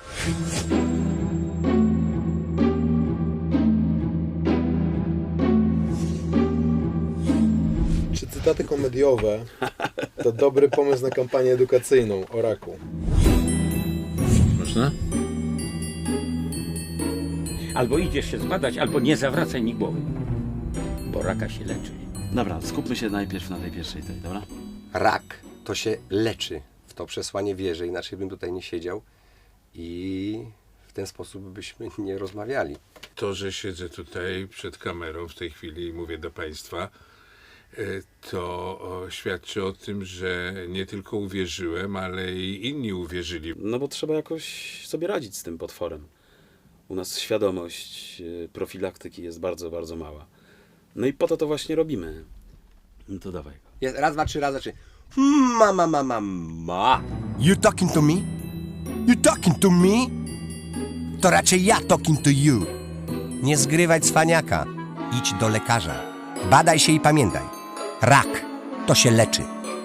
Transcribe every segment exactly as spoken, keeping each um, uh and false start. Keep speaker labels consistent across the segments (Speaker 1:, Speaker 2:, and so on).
Speaker 1: Czy cytaty komediowe to dobry pomysł na kampanię edukacyjną o raku?
Speaker 2: Można?
Speaker 3: Albo idziesz się zbadać, albo nie zawracaj mi głowy. Bo raka się leczy.
Speaker 4: Dobra, skupmy się najpierw na tej pierwszej tej, dobra?
Speaker 5: Rak to się leczy. W to przesłanie wierzę, inaczej bym tutaj nie siedział i w ten sposób byśmy nie rozmawiali.
Speaker 2: To, że siedzę tutaj przed kamerą w tej chwili i mówię do Państwa, y, to o, świadczy o tym, że nie tylko uwierzyłem, ale i inni uwierzyli.
Speaker 4: No bo trzeba jakoś sobie radzić z tym potworem. U nas świadomość y, profilaktyki jest bardzo, bardzo mała. No i po to to właśnie robimy. No to dawaj go.
Speaker 5: Jest, raz, dwa, trzy, raz, dwa, trzy. Ma, ma, ma, ma, ma.
Speaker 6: You talking to me? You talking to me? To raczej ja talking to you. Nie zgrywaj cwaniaka. Idź do lekarza. Badaj się i pamiętaj. Rak to się leczy.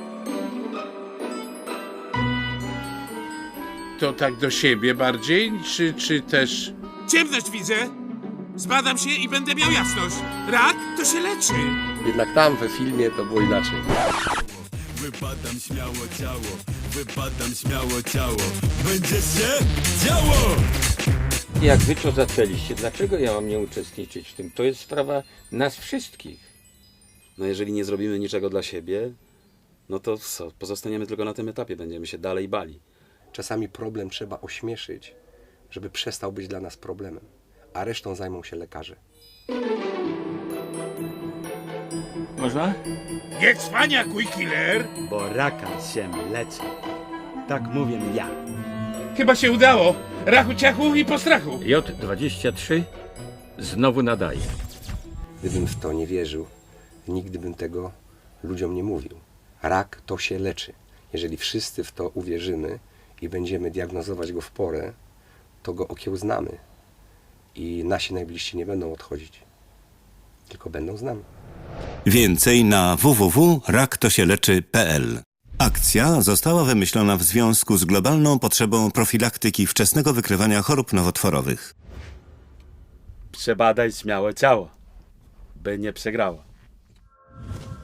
Speaker 2: To tak do siebie bardziej, czy, czy też...
Speaker 7: Ciemność widzę. Zbadam się i będę miał jasność. Rak to się leczy.
Speaker 5: Jednak tam we filmie to było inaczej.
Speaker 7: Wypadam śmiało ciało, wypadam śmiało ciało. Będzie się działo!
Speaker 3: Jak wy to zaczęliście, dlaczego ja mam nie uczestniczyć w tym? To jest sprawa nas wszystkich.
Speaker 4: No jeżeli nie zrobimy niczego dla siebie, no to co? Pozostaniemy tylko na tym etapie, będziemy się dalej bali.
Speaker 5: Czasami problem trzeba ośmieszyć, żeby przestał być dla nas problemem, a resztą zajmą się lekarze.
Speaker 3: Można?
Speaker 7: Nie cwaniakuj, killer.
Speaker 8: Bo raka się leczy. Tak mówię ja.
Speaker 7: Chyba się udało. Rachu ciachu i postrachu.
Speaker 3: J dwadzieścia trzy znowu nadaje.
Speaker 5: Gdybym w to nie wierzył, nigdy bym tego ludziom nie mówił. Rak to się leczy. Jeżeli wszyscy w to uwierzymy i będziemy diagnozować go w porę, to go okiełznamy i nasi najbliżsi nie będą odchodzić, tylko będą z nami.
Speaker 9: Więcej na w w w kropka rak to się leczy kropka p l. Akcja została wymyślona w związku z globalną potrzebą profilaktyki wczesnego wykrywania chorób nowotworowych.
Speaker 8: Przebadaj śmiało ciało, by nie przegrało.